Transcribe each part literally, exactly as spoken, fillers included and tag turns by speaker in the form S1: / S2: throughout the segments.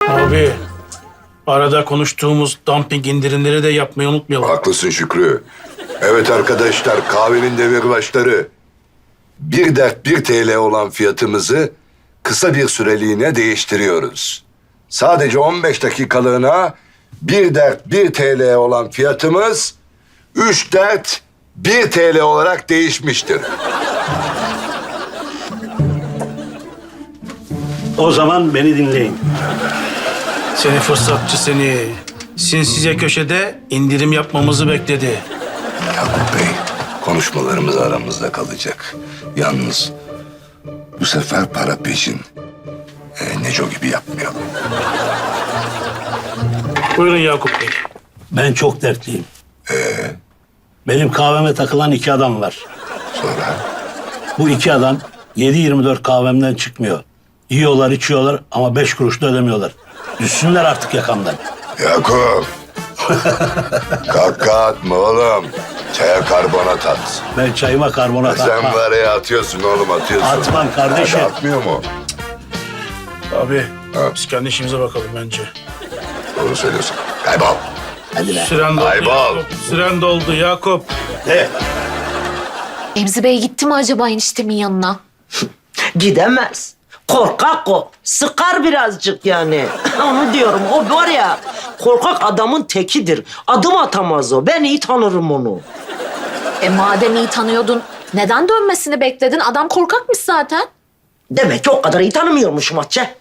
S1: Abi, arada konuştuğumuz dumping indirimleri de yapmayı unutmayalım.
S2: Haklısın Şükrü. Evet arkadaşlar, kahvenin demirbaşları. Bir dert bir T L olan fiyatımızı kısa bir süreliğine değiştiriyoruz. Sadece on beş dakikalığına bir dert bir T L olan fiyatımız üç dert bir T L olarak değişmiştir.
S3: O zaman beni dinleyin.
S1: Seni fırsatçı seni. Sinsice köşede indirim yapmamızı bekledi.
S2: Yakup Bey, konuşmalarımız aramızda kalacak. Yalnız bu sefer para peşin. Ee, Neco gibi yapmayalım.
S1: Buyurun Yakup Bey.
S3: Ben çok dertliyim.
S2: Ee,
S3: Benim kahveme takılan iki adam var.
S2: sonra?
S3: Bu iki adam yedi yirmi dört kahvemden çıkmıyor. Yiyorlar, içiyorlar ama beş kuruş da ödemiyorlar. Düşsünler artık yakamdan.
S2: Yakup. Kaka atma oğlum. Çaya karbonat at.
S3: Ben çayıma karbonat
S2: Sen
S3: atmam.
S2: var ya atıyorsun oğlum atıyorsun.
S3: Atmam kardeşim.
S2: Hadi atmıyor mu?
S1: Abi,
S2: Ha.
S1: biz kendi işimize bakalım bence.
S2: Doğru söylüyorsun. Kaybol.
S3: Hadi be.
S1: Süren doldu
S2: Kaybol.
S1: Yakup. Süren doldu Yakup.
S3: De.
S4: Remzi Bey gitti mi acaba eniştemin yanına?
S5: Gidemez. Korkak o. Sıkar birazcık yani. Onu diyorum. O var ya korkak adamın tekidir. Adım atamaz o. Ben iyi tanırım onu.
S4: E madem iyi tanıyordun, neden dönmesini bekledin? Adam korkakmış zaten.
S5: Demek ki o kadar iyi tanımıyormuşum Hatice.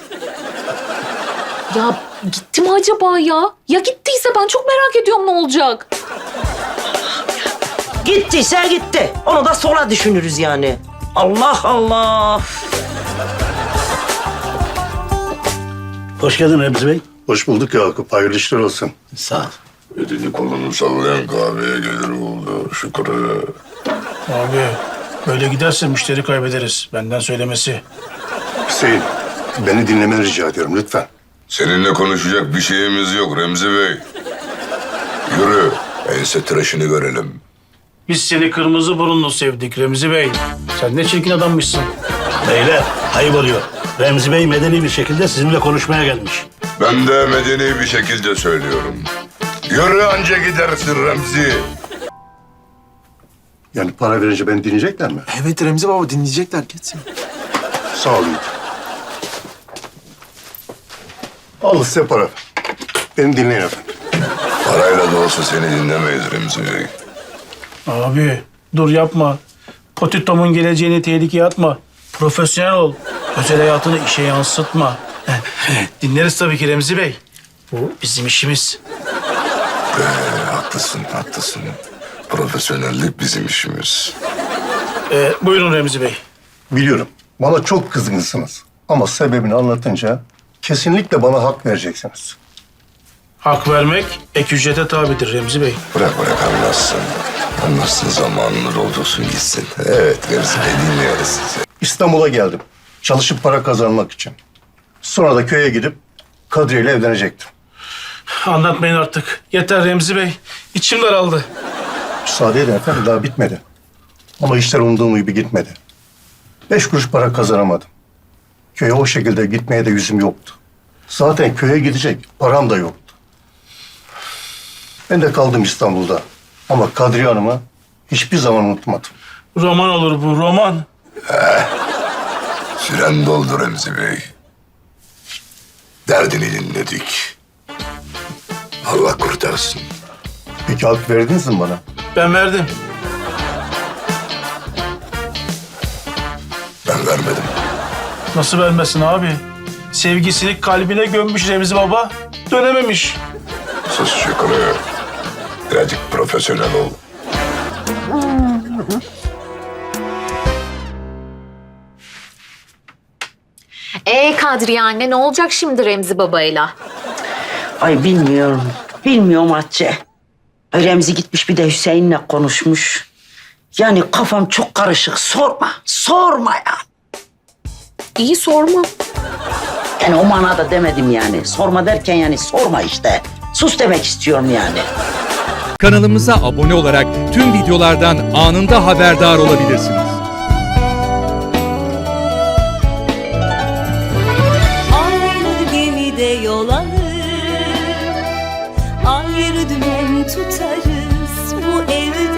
S4: Ya gitti mi acaba ya? Ya gittiyse ben çok merak ediyorum ne olacak?
S5: Gittiyse gitti. Onu da sonra düşünürüz yani. Allah Allah.
S3: Hoş geldin Remzi Bey.
S6: Hoş bulduk Yakup. Hayırlı işler olsun.
S3: Sağ ol.
S2: Elini kolunu sallayan kahveye gelir oldu Şükrü.
S1: Abi, böyle giderse müşteri kaybederiz. Benden söylemesi.
S6: Hüseyin, beni dinlemeni rica ediyorum lütfen.
S2: Seninle konuşacak bir şeyimiz yok Remzi Bey. Yürü. Ense tıraşını görelim.
S1: Biz seni kırmızı burunlu sevdik Remzi Bey. Sen ne çirkin adammışsın.
S3: Beyler, ayıp oluyor. Remzi Bey medeni bir şekilde sizinle konuşmaya gelmiş.
S2: Ben de medeni bir şekilde söylüyorum. Yürü anca gidersin Remzi.
S6: Yani para verince beni dinleyecekler mi?
S7: Evet Remzi baba dinleyecekler kesin.
S6: Sağ olun. Al size para. Beni dinleyin efendim.
S2: Parayla da olsa seni dinlemeyiz Remzi Bey.
S1: Abi, dur yapma. Potito'mun geleceğini tehlikeye atma. Profesyonel ol. Özel hayatını işe yansıtma. Dinleriz tabii ki Remzi Bey. Bu bizim işimiz.
S2: Ee, haklısın, haklısın. Profesyonellik bizim işimiz.
S1: Ee, buyurun Remzi Bey.
S6: Biliyorum. Bana çok kızgınsınız. Ama sebebini anlatınca kesinlikle bana hak vereceksiniz.
S1: Hak vermek ek ücrete tabidir Remzi Bey.
S2: Bırak bırak anlatsın. Anlatsın zamanını doldursun gitsin. Evet Remzi Bey dinliyoruz sizi.
S6: İstanbul'a geldim. Çalışıp para kazanmak için. Sonra da köye gidip Kadriye ile evlenecektim.
S1: Anlatmayın artık. Yeter Remzi Bey. İçim daraldı.
S6: Müsaade edin efendim, daha bitmedi. Ama işler umduğum gibi gitmedi. Beş kuruş para kazanamadım. Köye o şekilde gitmeye de yüzüm yoktu. Zaten köye gidecek param da yoktu. Ben de kaldım İstanbul'da. Ama Kadriye Hanım'ı hiçbir zaman unutmadım.
S1: Roman olur bu, roman.
S2: Süren doldu Remzi Bey. Derdini dinledik. Allah kurtarsın.
S6: Peki hak verdiniz mi bana?
S1: Ben verdim.
S2: Ben vermedim.
S1: Nasıl vermesin abi? Sevgisini kalbine gömmüş Remzi Baba. Dönememiş.
S2: Sus Şükrü. Birazcık profesyonel ol.
S4: Ee Kadriye anne ne olacak şimdi Remzi babayla?
S5: Ay bilmiyorum. Bilmiyorum Hatice. Ay Remzi gitmiş bir de Hüseyin'le konuşmuş. Yani kafam çok karışık. Sorma. Sorma ya.
S4: İyi sorma.
S5: Yani o manada demedim yani. Sorma derken yani sorma işte. Sus demek istiyorum yani.
S8: Kanalımıza abone olarak tüm videolardan anında haberdar olabilirsiniz.
S9: Aynı gemide yol alır. Ayrı dümen tutarız bu evde.